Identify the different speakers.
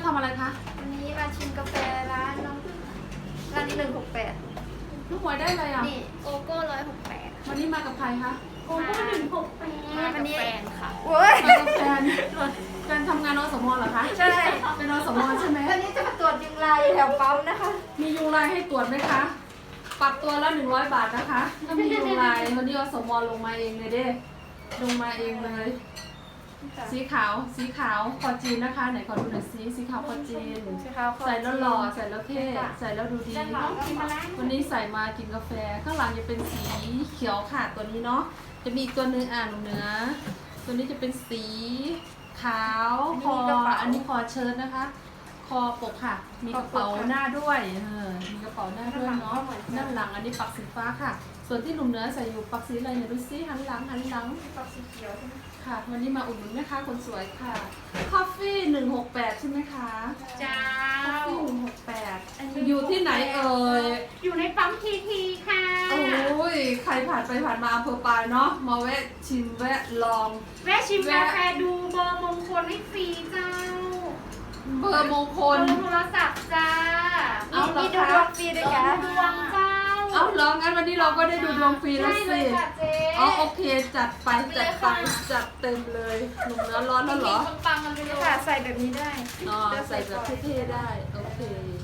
Speaker 1: ำอะไรคะ
Speaker 2: วันนี้มาชิมกาแฟร้านน้องพึ่งร้านนี้168
Speaker 1: ลูกหวยได้เลยอ่ะ
Speaker 2: นี่โกโก้168
Speaker 1: วันนี้มากับใครคะ
Speaker 2: โกโก้168วันนี้
Speaker 3: แฟนค่ะ
Speaker 2: โว้ย
Speaker 1: มากับแฟนแฟนทำงานอสมเหรอคะ
Speaker 2: ใช่
Speaker 1: เป็นอสมใช่ไหม
Speaker 2: วันนี้จะมาตรวจยุงลายแถวปั๊มนะคะ
Speaker 1: มียุงลายให้ตรวจไหมคะปรับตัวละ100 บาทนะคะถ้ามียุงลายวันนี้อสมลงมาเองเลยเด้ลงมาเองเลย สีขาวคอจีนนะคะ ไหนขอดูหน่อยสีขาวคอจีน ใส่แล้วหล่อใส่แล้วเท่ใส่แล้วดูดี
Speaker 2: ด้านหลังก็มาแล้ว
Speaker 1: วันนี้ใส่มากินกาแฟข้างหลังจะเป็นสีเขียวค่ะตัวนี้เนาะจะมีอีกตัวหนึงหนูเนื้อตัวนี้จะเป็นสีขาวคออันนี้คอเชิ้ตนะคะ คอปกค่ะ มีกระเป๋าหน้าด้วยมีกระเป๋าหน้าด้วยเนาะด้านหลังอันนี้ปักสีฟ้าค่ะ ส่วนที่หนุ่มเนื้อใส่อยู่ปักสีอะไรเนี่ยดูซิหันหลัง
Speaker 2: ปักสีเขียวใช่ไหม
Speaker 1: ค่ะวันนี้มาอุดหนุนแม่ค้าคนสวยค่ะคอฟฟี่168ใช่ไหมคะ
Speaker 3: จ้า
Speaker 1: คอฟฟี่168อยู่ที่ไหนเอ่ย
Speaker 3: อยู่ในปั๊มทีทีค่ะ
Speaker 1: โอ้ยใครผ่านไปผ่านมาอำเภอปายเนาะมาแวะชิมแวะลอง
Speaker 3: แวะชิมกาแฟดูเบอร์มงคลให้ฟรีเจ้า
Speaker 1: เบอร์มงค
Speaker 3: เบอ
Speaker 1: ล
Speaker 3: ร์โทรศัพท์จ้า
Speaker 1: เอาเหรอ
Speaker 2: มีดู
Speaker 1: คะ
Speaker 2: ดวงฟรีด้วยกัน
Speaker 3: ดวงเจ้า
Speaker 1: เอาเหรองั้นวันนี้เราก็ได้ดูดวงฟรีแล้ว
Speaker 3: ใช่เล
Speaker 1: สิ
Speaker 3: ยค่ะเจ๊
Speaker 1: อ๋อโอเคจัดไปจัดเต็มเลยหนุ่มเนื้อร้อนแล้วเหรอ
Speaker 3: ปังๆกันไปเลย
Speaker 2: ค่ะใส่แบบนี้ได้
Speaker 1: อ๋อใส่แบบเท่ๆได้โอเค